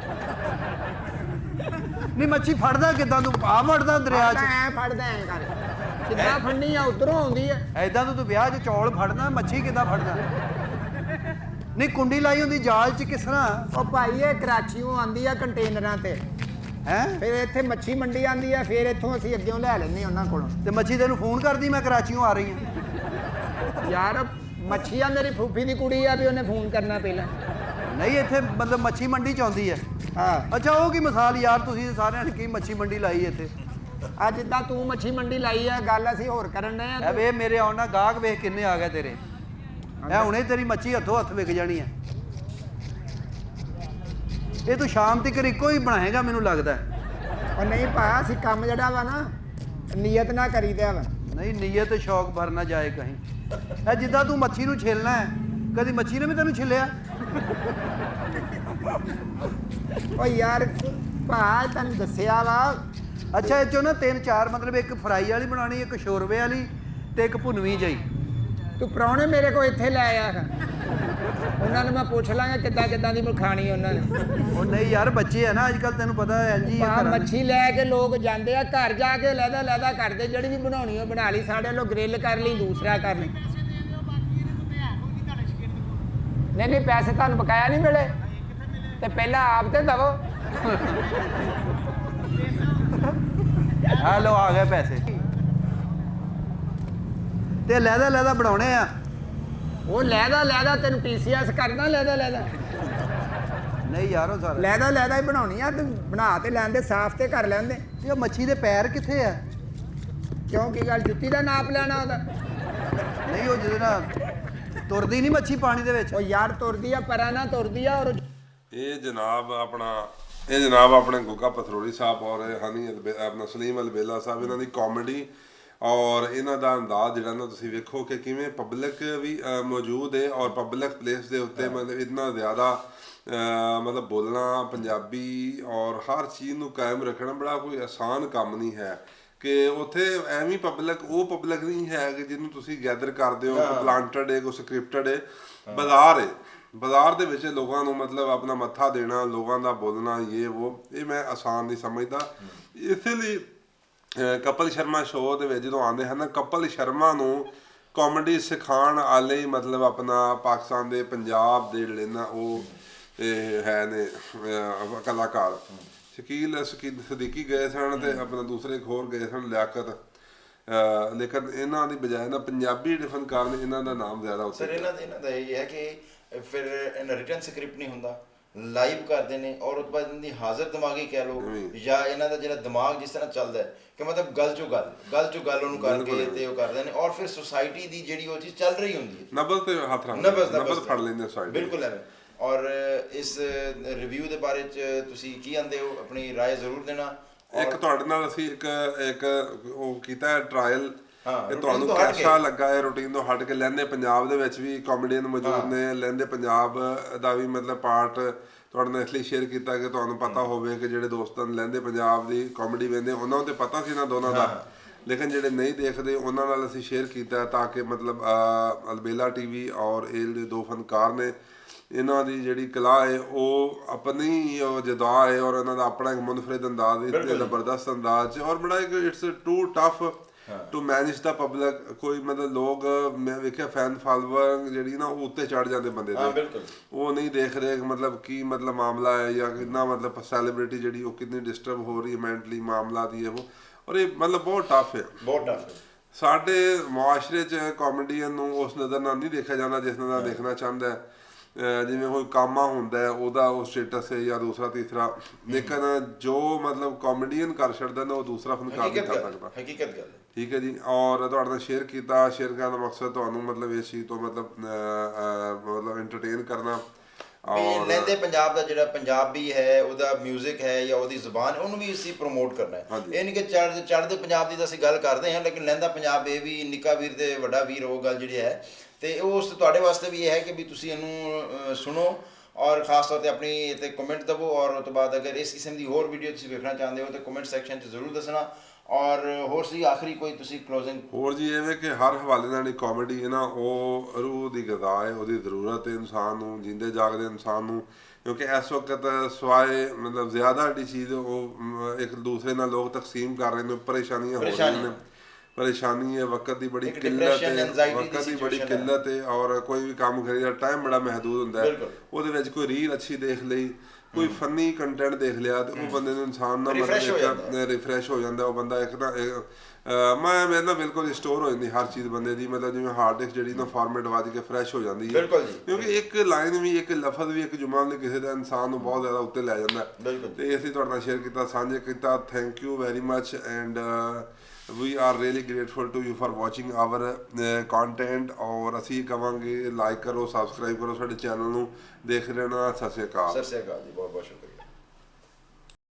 Speaker 3: ਨਹੀਂ ਮੱਛੀ ਫੜਦਾ ਕਿੱਦਾਂ ਤੂੰ? ਆ ਵੜਦਾ ਦਰਿਆ 'ਚ?
Speaker 4: ਐ ਫੜਦਾ ਐ ਕਰ, ਕਿੱਦਾਂ ਫੜਨੀ ਆ? ਉਧਰੋਂ ਆਉਂਦੀ ਆ।
Speaker 3: ਐਦਾਂ ਤੂੰ ਵਿਆਹ 'ਚ ਚੌਲ ਫੜਦਾ, ਮੱਛੀ ਕਿੱਦਾਂ ਫੜਦਾ? ਨਹੀਂ ਕੁੰਡੀ ਲਾਈ ਹੁੰਦੀ ਜਾਲ 'ਚ, ਕਿਸ ਤਰ੍ਹਾਂ?
Speaker 4: ਉਹ ਭਾਈ ਇਹ ਕਰਾਚੀੋਂ ਆਂਦੀ ਆ ਕੰਟੇਨਰਾਂ ਤੇ,
Speaker 3: ਹੈ
Speaker 4: ਫਿਰ ਇੱਥੇ ਮੱਛੀ ਮੰਡੀ ਆਂਦੀ ਆ, ਫਿਰ ਇੱਥੋਂ ਅਸੀਂ ਅੱਗੇੋਂ ਲੈ ਲੈਂਦੇ ਉਹਨਾਂ ਕੋਲੋਂ।
Speaker 3: ਤੇ ਮੱਛੀ ਤੈਨੂੰ ਫੋਨ ਕਰਦੀ ਮੈਂ ਕਰਾਚੀੋਂ ਆ ਰਹੀ ਹਾਂ?
Speaker 4: ਯਾਰ ਮੱਛੀ ਆ ਮੇਰੀ ਫੂਫੀ ਦੀ ਕੁੜੀ ਆ, ਵੀ ਉਹਨੇ ਫੋਨ ਕਰਨਾ ਪਹਿਲਾਂ।
Speaker 3: ਨਹੀਂ ਇੱਥੇ ਮਤਲਬ ਮੱਛੀ ਮੰਡੀ 'ਚ ਆਉਂਦੀ ਹੈ।
Speaker 4: ਹਾਂ
Speaker 3: ਅੱਛਾ ਉਹ ਕੀ ਮਿਸਾਲ ਯਾਰ, ਤੁਸੀਂ ਸਾਰਿਆਂ ਨੇ ਕੀ ਮੱਛੀ ਮੰਡੀ ਲਾਈ ਇੱਥੇ?
Speaker 4: ਆ ਜਿੱਦਾਂ ਤੂੰ ਮੱਛੀ ਮੰਡੀ ਲਾਈ ਆ, ਗੱਲ ਅਸੀਂ ਹੋਰ ਕਰਨ ਡਏ
Speaker 3: ਐ
Speaker 4: ਆ।
Speaker 3: ਵੇ ਮੇਰੇ ਆਉਣ ਨਾਲ ਗਾਹਕ ਵੇਖ ਕਿੰਨੇ ਆ ਗਏ ਤੇਰੇ। ਐ ਹੁਣੇ ਤੇਰੀ ਮੱਛੀ ਹੱਥੋਂ ਹੱਥ ਵਿਕ ਜਾਣੀ ਹੈ। ਇਹ ਤੂੰ ਸ਼ਾਮ ਤੱਕ ਇੱਕੋ ਹੀ ਬਣਾਏਗਾ ਮੈਨੂੰ ਲੱਗਦਾ।
Speaker 4: ਉਹ ਨਹੀਂ ਭਾ, ਅਸੀਂ ਕੰਮ ਜਿਹੜਾ ਵਾ ਨਾ ਨੀਅਤ ਨਾ ਕਰੀਦਾ ਵਾ।
Speaker 3: ਨਹੀਂ ਨੀਅਤ ਸ਼ੌਕ ਭਰ ਨਾ ਜਾਏ ਕਹੀਂ। ਐ ਜਿੱਦਾਂ ਤੂੰ ਮੱਛੀ ਨੂੰ ਛਿਲਣਾ ਹੈ, ਕਦੀ ਮੱਛੀ ਨੇ ਵੀ ਤੈਨੂੰ ਛਿਲਿਆ?
Speaker 4: ਉਹ ਯਾਰ ਭਾ ਤੈਨੂੰ ਦੱਸਿਆ ਵਾ।
Speaker 3: ਅੱਛਾ ਇਹ ਚੋਂ ਨਾ 3-4 ਮਤਲਬ ਇੱਕ ਫਰਾਈ ਵਾਲੀ ਬਣਾਉਣੀ, ਇੱਕ ਸ਼ੋਰਵੇ ਵਾਲੀ ਤੇ ਇੱਕ ਭੁਨਵੀਂ ਜਿਹੀ।
Speaker 4: ਤੂੰ ਪ੍ਰਾਹੁਣੇ ਮੇਰੇ ਕੋਲ ਇੱਥੇ ਲੈ ਆਇਆ ਕਰ, ਉਹਨਾਂ ਨੂੰ ਮੈਂ ਪੁੱਛ ਲਾਂਗਾ ਕਿੱਦਾਂ ਕਿੱਦਾਂ ਦੀ ਖਾਣੀ ਉਹਨਾਂ ਨੇ।
Speaker 3: ਉਹ ਨਹੀਂ ਯਾਰ ਬੱਚੇ ਆ ਨਾ ਅੱਜ ਕੱਲ, ਤੈਨੂੰ ਪਤਾ ਹੈ ਜੀ।
Speaker 4: ਭਾ ਮੱਛੀ ਲੈ ਕੇ ਲੋਕ ਜਾਂਦੇ ਆ, ਘਰ ਜਾ ਕੇ ਲਹਿਦਾ ਕਰਦੇ, ਜਿਹੜੀ ਵੀ ਬਣਾਉਣੀ ਉਹ ਬਣਾ ਲਈ। ਸਾਡੇ ਲੋ ਗ੍ਰਿਲ ਕਰ ਲਈ, ਦੂਸਰਾ ਕਰ ਲਈ। ਨਹੀਂ ਪੈਸੇ ਤੁਹਾਨੂੰ ਬਕਾਇਆ ਨਹੀਂ ਮਿਲੇ ਤੇ ਪਹਿਲਾਂ ਆਪ ਤੇ ਦਵੋ।
Speaker 3: ਹੈਲੋ ਆ ਗਏ ਪੈਸੇ। ਤੇ ਲਹਿਦਾ ਬਣਾਉਣੇ ਆ।
Speaker 4: ਉਹ ਲਹਿਦਾ ਤੈਨੂੰ TCS ਕਰਨਾ ਲਹਿਦਾ
Speaker 3: ਨਹੀਂ ਯਾਰ ਉਹ ਸਾਰਾ
Speaker 4: ਲਹਿਦਾ ਹੀ ਬਣਾਉਣੀ ਆ। ਤੂੰ ਬਣਾ ਤੇ ਲੈਂਦੇ, ਸਾਫ਼ ਤੇ ਕਰ ਲੈਂਦੇ।
Speaker 3: ਇਹ ਮੱਛੀ ਦੇ ਪੈਰ ਕਿੱਥੇ ਆ?
Speaker 4: ਕਿਉਂ ਕੀ ਗੱਲ, ਜੁੱਤੀ ਦਾ ਨਾਪ ਲੈਣਾ ਉਹਦਾ?
Speaker 3: ਨਹੀਂ ਉਹ ਜਿਹਦੇ ਨਾਲ ਤੁਰਦੀ ਨਹੀਂ ਮੱਛੀ ਪਾਣੀ ਦੇ ਵਿੱਚ।
Speaker 4: ਉਹ ਯਾਰ ਤੁਰਦੀ ਆ, ਪਰਾਂ ਨਾ ਤੁਰਦੀ ਆ। ਔਰ
Speaker 1: ਇਹ ਜਨਾਬ ਆਪਣਾ ਇਹ ਜਨਾਬ ਆਪਣੇ ਗੁੱਗਾ ਪਥਰੋੜੀ ਸਾਹਿਬ ਔਰ ਹਨੀ ਆਪਣਾ ਸਲੀਮ ਅਲਬੇਲਾ ਸਾਹਿਬ, ਇਹਨਾਂ ਦੀ ਕਾਮੇਡੀ ਔਰ ਇਹਨਾਂ ਦਾ ਅੰਦਾਜ਼ ਜਿਹੜਾ ਨਾ ਤੁਸੀਂ ਵੇਖੋ ਕਿ ਕਿਵੇਂ ਪਬਲਿਕ ਵੀ ਮੌਜੂਦ ਹੈ ਔਰ ਪਬਲਿਕ ਪਲੇਸ ਦੇ ਉੱਤੇ ਮਤਲਬ ਇੰਨਾ ਜ਼ਿਆਦਾ ਮਤਲਬ ਬੋਲਣਾ ਪੰਜਾਬੀ ਔਰ ਹਰ ਚੀਜ਼ ਨੂੰ ਕਾਇਮ ਰੱਖਣਾ ਬੜਾ ਕੋਈ ਆਸਾਨ ਕੰਮ ਨਹੀਂ ਹੈ ਕਿ ਉੱਥੇ ਐਵੇਂ ਪਬਲਿਕ ਉਹ ਪਬਲਿਕ ਨਹੀਂ ਹੈ ਕਿ ਜਿਹਨੂੰ ਤੁਸੀਂ ਗੈਦਰ ਕਰਦੇ ਹੋ ਕੋਈ ਪਲਾਂਟਡ ਹੈ ਕੋਈ ਸਕ੍ਰਿਪਟਡ ਹੈ। ਬਾਜ਼ਾਰ ਦੇ ਵਿੱਚ ਲੋਕਾਂ ਨੂੰ ਮਤਲਬ ਆਪਣਾ ਮੱਥਾ ਦੇਣਾ, ਲੋਕਾਂ ਦਾ ਬੋਲਣਾ ਇਹ ਮੈਂ ਆਸਾਨ ਨਹੀਂ ਸਮਝਦਾ। ਇਸੇ ਲਈ ਕਪਲ ਸ਼ਰਮਾ ਸ਼ੋਅ ਦੇ ਵਿੱਚ ਜਦੋਂ ਆਉਂਦੇ ਹਨ, ਕਪਲ ਸ਼ਰਮਾ ਨੂੰ ਕਾਮੇਡੀ ਸਿਖਾਉਣ ਵਾਲੇ ਮਤਲਬ ਆਪਣਾ ਪਾਕਿਸਤਾਨ ਦੇ ਪੰਜਾਬ ਦੇ ਜਿਹੜੇ ਨਾ ਉਹ ਹੈ ਨੇ ਕਲਾਕਾਰ ਸ਼ਕੀਲ ਸਦੀਕੀ ਗਏ ਸਨ ਤੇ ਆਪਣਾ ਦੂਸਰੇ ਹੋਰ ਗਏ ਸਨ ਲਿਆਕਤ, ਲੇਕਿਨ ਇਹਨਾਂ ਦੀ ਬਜਾਏ ਨਾ ਪੰਜਾਬੀ ਜਿਹੜੇ ਫਨਕਾਰ ਨੇ ਇਹਨਾਂ ਦਾ ਨਾਮ ਜ਼ਿਆਦਾ ਉੱਤੇ।
Speaker 2: ਸਰ ਇਹਨਾਂ ਦਾ ਇਹ ਹੈ ਕਿ ਫਿਰ ਇਹਨਾਂ ਰਿਟਨ ਸਕ੍ਰਿਪਟ ਨਹੀਂ ਹੁੰਦਾ, ਲਾਈਵ ਕਰਦੇ ਨੇ ਔਰ ਉਸ ਤੋਂ ਬਾਅਦ ਇਹਨਾਂ ਦੀ ਹਾਜ਼ਰ ਦਿਮਾਗੀ ਕਹਿ ਲਓ ਜਾਂ ਇਹਨਾਂ ਦਾ ਜਿਹੜਾ ਦਿਮਾਗ ਜਿਸ ਤਰ੍ਹਾਂ ਚੱਲਦਾ ਹੈ ਕਿ ਮਤਲਬ ਗੱਲ ਚੋਂ ਗੱਲ ਉਹਨੂੰ ਕਰਕੇ ਤੇ ਉਹ ਕਰਦੇ ਨੇ ਔਰ ਫਿਰ ਸੁਸਾਇਟੀ ਦੀ ਜਿਹੜੀ ਉਹ ਚੀਜ਼ ਚੱਲ ਰਹੀ ਹੁੰਦੀ ਹੈ
Speaker 1: ਨਬਜ਼ ਤੇ ਹੱਥ ਰੱਖ ਨਬਜ਼ ਫੜ ਲੈਂਦੇ ਸਾਈਡ
Speaker 2: ਬਿਲਕੁਲ ਐਵੇਂ। ਔਰ ਇਸ ਰਿਵਿਊ ਦੇ ਬਾਰੇ ਚ ਤੁਸੀਂ ਕੀ ਆਂਦੇ ਹੋ, ਆਪਣੀ ਰਾਏ ਜ਼ਰੂਰ ਦੇਣਾ।
Speaker 1: ਇੱਕ ਤੁਹਾਡੇ ਨਾਲ ਅਸੀਂ ਇੱਕ ਉਹ ਕੀਤਾ ਹੈ ਟਰਾਇਲ ਕਿ ਤੁਹਾਨੂੰ ਕਿਹਦਾ ਲੱਗਾ ਹੈ ਰੂਟੀਨ ਤੋਂ ਹਟ ਕੇ। ਲਹਿੰਦੇ ਪੰਜਾਬ ਦੇ ਵਿੱਚ ਵੀ ਕਾਮੇਡੀਅਨ ਮੌਜੂਦ ਨੇ, ਲਹਿੰਦੇ ਪੰਜਾਬ ਦਾ ਵੀ ਮਤਲਬ ਪਾਰਟ ਤੁਹਾਡੇ ਨਾਲ ਇਸ ਲਈ ਸ਼ੇਅਰ ਕੀਤਾ ਕਿ ਤੁਹਾਨੂੰ ਪਤਾ ਹੋਵੇ ਕਿ ਜਿਹੜੇ ਦੋਸਤਾਂ ਲਹਿੰਦੇ ਪੰਜਾਬ ਦੀ ਕਾਮੇਡੀ ਵੇਖਦੇ ਉਹਨਾਂ ਨੂੰ ਤੇ ਪਤਾ ਸੀ ਇਹਨਾਂ ਦੋਨਾਂ ਦਾ, ਲੇਕਿਨ ਜਿਹੜੇ ਨਹੀਂ ਦੇਖਦੇ ਉਹਨਾਂ ਨਾਲ ਅਸੀਂ ਸ਼ੇਅਰ ਕੀਤਾ ਤਾਂ ਕਿ ਮਤਲਬ ਅਲਬੇਲਾ ਟੀਵੀ ਔਰ ਇਹ ਜਿਹੜੇ ਦੋ ਫਨਕਾਰ ਨੇ ਇਹਨਾਂ ਦੀ ਜਿਹੜੀ ਕਲਾ ਹੈ ਉਹ ਆਪਣੀ ਜਦਾ ਹੈ ਔਰ ਇਹਨਾਂ ਦਾ ਆਪਣਾ ਇੱਕ ਮੁਨਫਰਿਦ ਅੰਦਾਜ਼ ਹੈ, ਜ਼ਬਰਦਸਤ ਅੰਦਾਜ਼ ਔਰ ਬੜਾ ਇੱਕ it's too tough to manage the public. ਕੋਈ ਮਤਲਬ ਲੋਕ ਮੈਂ ਵੇਖਿਆ ਫੈਨ ਫਾਲੋਅਰ ਜਿਹੜੀ ਨਾ ਉਹ ਉੱਤੇ ਚੜ ਜਾਂਦੇ ਬੰਦੇ ਦੇ, ਉਹ ਨਹੀਂ ਦੇਖ ਰਹੇ ਮਤਲਬ ਕੀ ਮਤਲਬ ਮਾਮਲਾ ਹੈ ਜਾਂ ਕਿੰਨਾ ਮਤਲਬ ਸੈਲੀਬ੍ਰਿਟੀ ਜਿਹੜੀ ਉਹ ਕਿੰਨੀ ਡਿਸਟਰਬ ਹੋ ਰਹੀ ਹੈ ਮੈਂਟਲੀ ਮਾਮਲਾ ਦੀ ਉਹ, ਔਰ ਇਹ ਮਤਲਬ ਬਹੁਤ ਟਫ ਹੈ। ਸਾਡੇ ਮੁਆਸ਼ਰੇ 'ਚ ਕਾਮੇਡੀਅਨ ਨੂੰ ਉਸ ਨਜ਼ਰ ਨਾਲ ਨਹੀਂ ਦੇਖਿਆ ਜਾਂਦਾ ਜਿਸ ਨਾਲ ਦੇਖਣਾ ਚਾਹੁੰਦਾ ਹੈ। ਜਿਵੇਂ ਕੋਈ ਕਾਮਾ ਹੁੰਦਾ ਹੈ ਉਹਦਾ ਉਹ ਸਟੇਟਸ ਹੈ ਜਾਂ ਦੂਸਰਾ ਤੀਸਰਾ, ਲੇਕਿਨ ਜੋ ਮਤਲਬ ਕਾਮੇਡੀਅਨ ਕਰ ਛੱਡਦਾ ਨਾ ਉਹ ਦੂਸਰਾ ਫਨਕਾਰ ਨਹੀਂ ਕਰ ਸਕਦਾ।
Speaker 2: ਹਕੀਕਤ ਗੱਲ
Speaker 1: ਠੀਕ ਹੈ ਜੀ। ਔਰ ਤੁਹਾਡੇ ਨਾਲ ਸ਼ੇਅਰ ਕਰਨ ਦਾ ਮਕਸਦ ਤੁਹਾਨੂੰ ਮਤਲਬ ਇਸ ਚੀਜ਼ ਤੋਂ ਮਤਲਬ ਐਂਟਰਟੇਨ ਕਰਨਾ ਔਰ
Speaker 2: ਲਹਿੰਦੇ ਪੰਜਾਬ ਦਾ ਜਿਹੜਾ ਪੰਜਾਬੀ ਹੈ ਉਹਦਾ ਮਿਊਜ਼ਿਕ ਹੈ ਜਾਂ ਉਹਦੀ ਜ਼ੁਬਾਨ ਉਹਨੂੰ ਵੀ ਅਸੀਂ ਪ੍ਰਮੋਟ ਕਰਨਾ ਹੈ। ਇਹ ਨਹੀਂ ਕਿ ਚੜ੍ਹਦੇ ਪੰਜਾਬ ਦੀ ਤਾਂ ਅਸੀਂ ਗੱਲ ਕਰਦੇ ਹਾਂ, ਲੇਕਿਨ ਲਹਿੰਦਾ ਪੰਜਾਬ ਇਹ ਵੀ ਨਿੱਕਾ ਵੀਰ ਤੇ ਵੱਡਾ ਵੀਰ ਉਹ ਗੱਲ ਜਿਹੜੀ ਹੈ ਤੇ ਉਸ ਤੁਹਾਡੇ ਵਾਸਤੇ ਵੀ ਇਹ ਹੈ ਕਿ ਵੀ ਤੁਸੀਂ ਇਹਨੂੰ ਸੁਣੋ ਔਰ ਖਾਸ ਤੌਰ ਤੇ ਆਪਣੀ ਤੇ ਕਮੈਂਟ ਦਵੋ ਔਰ ਉਸ ਤੋਂ ਬਾਅਦ ਅਗਰ ਇਸ ਕਿਸਮ ਦੀ ਹੋਰ ਵੀਡੀਓ ਤੁਸੀਂ ਵੇਖਣਾ ਚਾਹੁੰਦੇ ਹੋ ਤਾਂ ਕਮੈਂਟ ਸੈਕਸ਼ਨ 'ਚ ਜ਼ਰੂਰ ਦੱਸਣਾ। ਔਰ ਹੋਰ ਸੀ ਆਖਰੀ ਕੋਈ ਤੁਸੀਂ ਕਲੋਜ਼ਿੰਗ
Speaker 1: ਹੋਰ ਜੀ ਐਵੇਂ ਕਿ ਹਰ ਹਵਾਲੇ ਨਾਲ ਕਾਮੇਡੀ ਹੈ ਨਾ ਉਹ ਰੂਹ ਦੀ ਗਜ਼ਾ ਹੈ, ਉਹਦੀ ਜ਼ਰੂਰਤ ਹੈ ਇਨਸਾਨ ਨੂੰ, ਜਿੰਦੇ ਜਾਗਦੇ ਇਨਸਾਨ ਨੂੰ, ਕਿਉਂਕਿ ਇਸ ਵਕਤ ਸਵਾਏ ਮਤਲਬ ਜ਼ਿਆਦਾ ਜਿਹੜੀ ਚੀਜ਼ ਉਹ ਇੱਕ ਦੂਸਰੇ ਨਾਲ ਲੋਕ ਤਕਸੀਮ ਕਰ ਰਹੇ ਨੇ, ਪਰੇਸ਼ਾਨੀਆਂ ਹੋ ਰਹੀਆਂ ਨੇ, ਪਰੇਸ਼ਾਨੀ ਹੈ, ਵਕਤ ਦੀ ਬੜੀ ਕਿੱਲਤ ਹੈ ਔਰ ਕੋਈ ਵੀ ਕੰਮ ਕਰੀਦਾ ਟਾਈਮ ਬੜਾ ਮਹਿਦੂਦ ਹੁੰਦਾ ਹੈ। ਉਹਦੇ ਵਿੱਚ ਕੋਈ ਰੀਲ ਅੱਛੀ ਦੇਖ ਲਈ, ਕੋਈ ਫਨੀ ਕੰਟੈਂਟ ਦੇਖ ਲਿਆ ਤੇ ਉਹ ਬੰਦੇ ਨੂੰ ਇਨਸਾਨ ਨਾਲ ਮਤਲਬ ਰਿਫਰੈਸ਼ ਹੋ ਜਾਂਦਾ। ਉਹ ਬੰਦਾ ਇੱਕ ਤਾਂ ਮੇਰੇ ਨਾਲ ਬਿਲਕੁਲ ਸਟੋਰ ਹੋ ਜਾਂਦੀ ਹਰ ਚੀਜ਼ ਬੰਦੇ ਦੀ, ਮਤਲਬ ਜਿਵੇਂ ਹਾਰਡ ਡਿਸਕ ਜਿਹੜੀ ਨਾ ਫਾਰਮੈਟ ਵੱਜ ਕੇ ਫਰੈਸ਼ ਹੋ ਜਾਂਦੀ ਹੈ, ਕਿਉਂਕਿ ਇੱਕ ਲਾਈਨ ਵੀ ਇੱਕ ਲਫ਼ਜ਼ ਵੀ ਇੱਕ ਜੁਮਲਾ ਵੀ ਕਿਸੇ ਦਾ ਇਨਸਾਨ ਨੂੰ ਬਹੁਤ ਜ਼ਿਆਦਾ ਉੱਤੇ ਲੈ ਜਾਂਦਾ। ਤੇ ਇਸ ਲਈ ਤੁਹਾਡੇ ਨਾਲ ਸ਼ੇਅਰ ਕੀਤਾ, ਸਾਂਝੇ ਕੀਤਾ। Thank you very much and we are really grateful to you for watching our content ਔਰ ਅਸੀਂ ਕਵਾਂਗੇ ਲਾਈਕ ਕਰੋ, ਸਬਸਕ੍ਰਾਈਬ ਕਰੋ ਸਾਡੇ ਚੈਨਲ ਨੂੰ, ਦੇਖ ਰਹਿਣਾ। ਸਤਿ ਸ਼੍ਰੀ ਅਕਾਲ ਜੀ, ਬਹੁਤ ਬਹੁਤ ਸ਼ੁਕਰੀਆ।